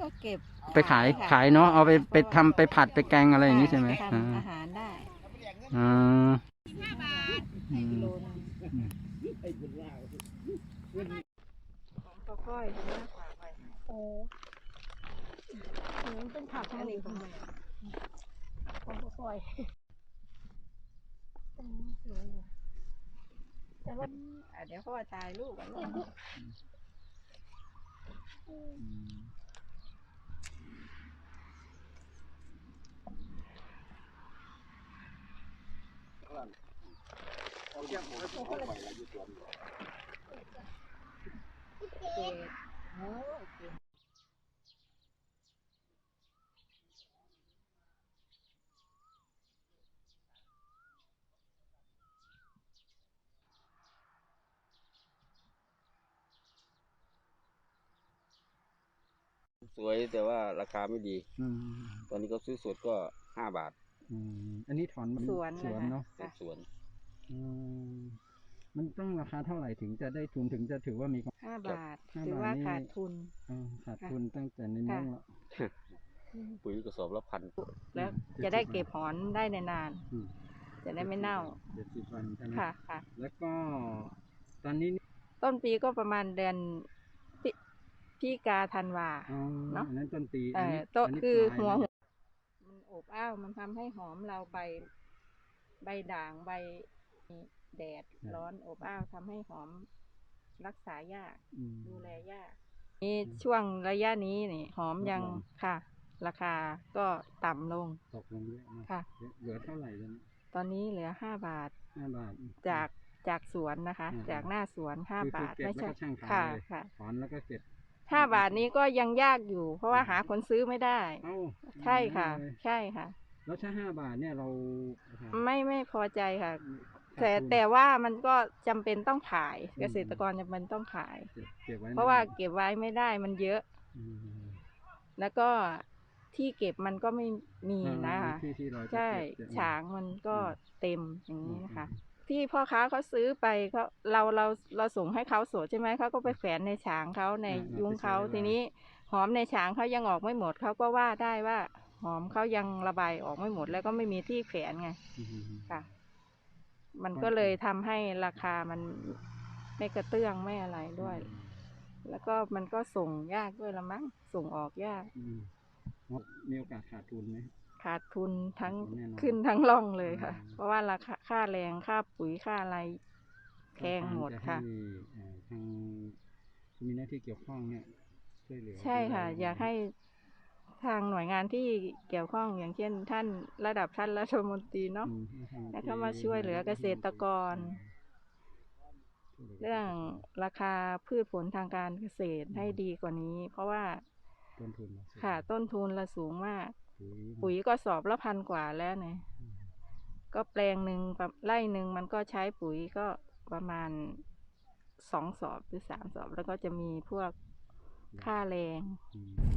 ก็เก็บไปขายเนาะเอาไปทำไปผัดไปแกงอะไรอย่างนี้ใช่ไหมทำอาหารได้อ่ากิโลนึงของปลาก้อยมากกว่าไปโอ้มันเป็นผักอันนี้ของปลาก้อยแต่ว่าเดี๋ยวพ่อถ่ายรูปกันสวยแต่ว่าราคาไม่ดีตอนนี้ก็ซื้อสดก็5 บาทอันนี้ถอนสวนเนาะสวนมันต้องราคาเท่าไหร่ถึงจะได้ทุนถึงจะถือว่ามี 5 บาทถือว่าขาดทุนตั้งแต่ในน้องแล้วปุ๋ยกระสอบละ1,000 แล้วจะได้เก็บหอนได้นานจะได้ไม่เน่า 70 วันใช่ไหมค่ะแล้วก็ตอนนี้ต้นปีก็ประมาณเดือนพี่กาธันวาเนาะนั้นต้นปีโตคือหัวมันอบอ้าวมันทำให้หอมเราใบด่างใบแดดร้อนอบอ้าวทำให้หอมรักษายากดูแลยากนี่ช่วงระยะนี้นี่หอมยังค่ะราคาก็ต่ำลงตกลงเยอะค่ะเหลือเท่าไหร่ตอนนี้เหลือ5 บาทจากสวนนะคะจากหน้าสวน5 บาทไม่ใช่ค่ะถอนแล้วก็เก็บ 5 บาทนี้ก็ยังยากอยู่เพราะว่าหาคนซื้อไม่ได้ใช่ค่ะแล้วถ้า5 บาทเนี่ยเราไม่พอใจค่ะแต่ว่ามันก็จำเป็นต้องขายเกษตรกรจำเป็นต้องขายเพราะว่าเก็บไว้ไม่ได้มันเยอะแล้วก็ที่เก็บมันก็ไม่มีนะคะใช่ฉางมันก็เต็มอย่างนี้นะคะที่พ่อค้าเขาซื้อไปเราส่งให้เขาสดใช่ไหมเขาก็ไปแฝนในฉางเขาในยุ้งเขาทีนี้หอมในฉางเขายังออกไม่หมดเขาก็ว่าได้ว่าหอมเขายังระบายออกไม่หมดแล้วก็ไม่มีที่แฝนไงค่ะมันก็เลยทำให้ราคามันไม่กระเตื้องไม่อะไรด้วยแล้วก็มันก็ส่งยากด้วยละมั้งส่งออกยากมีโอกาสขาดทุนไหมขาดทุนทั้งขึ้นทั้งล่องเลยค่ะเพราะว่าราคาค่าแรงค่าปุ๋ยค่าอะไรแพงหมดค่ะทางมีหน้าที่เกี่ยวข้องเนี่ยช่วยเหลือใช่ค่ะอยากให้ทางหน่วยงานที่เกี่ยวข้องอย่างเช่นท่านระดับท่านรัฐมนตรีเนาะให้เข้ามาช่วยเหลือเกษตรกรเรื่องราคาพืชผลทางการเกษตรให้ดีกว่านี้เพราะว่าต้นทุนละสูงมากปุ๋ยก็สอบละ1,000 กว่าแล้วเนี่ยก็แปลงหนึ่งไร่หนึ่งมันก็ใช้ปุ๋ยก็ประมาณ2 สอบหรือ3 สอบแล้วก็จะมีพวกค่าแรง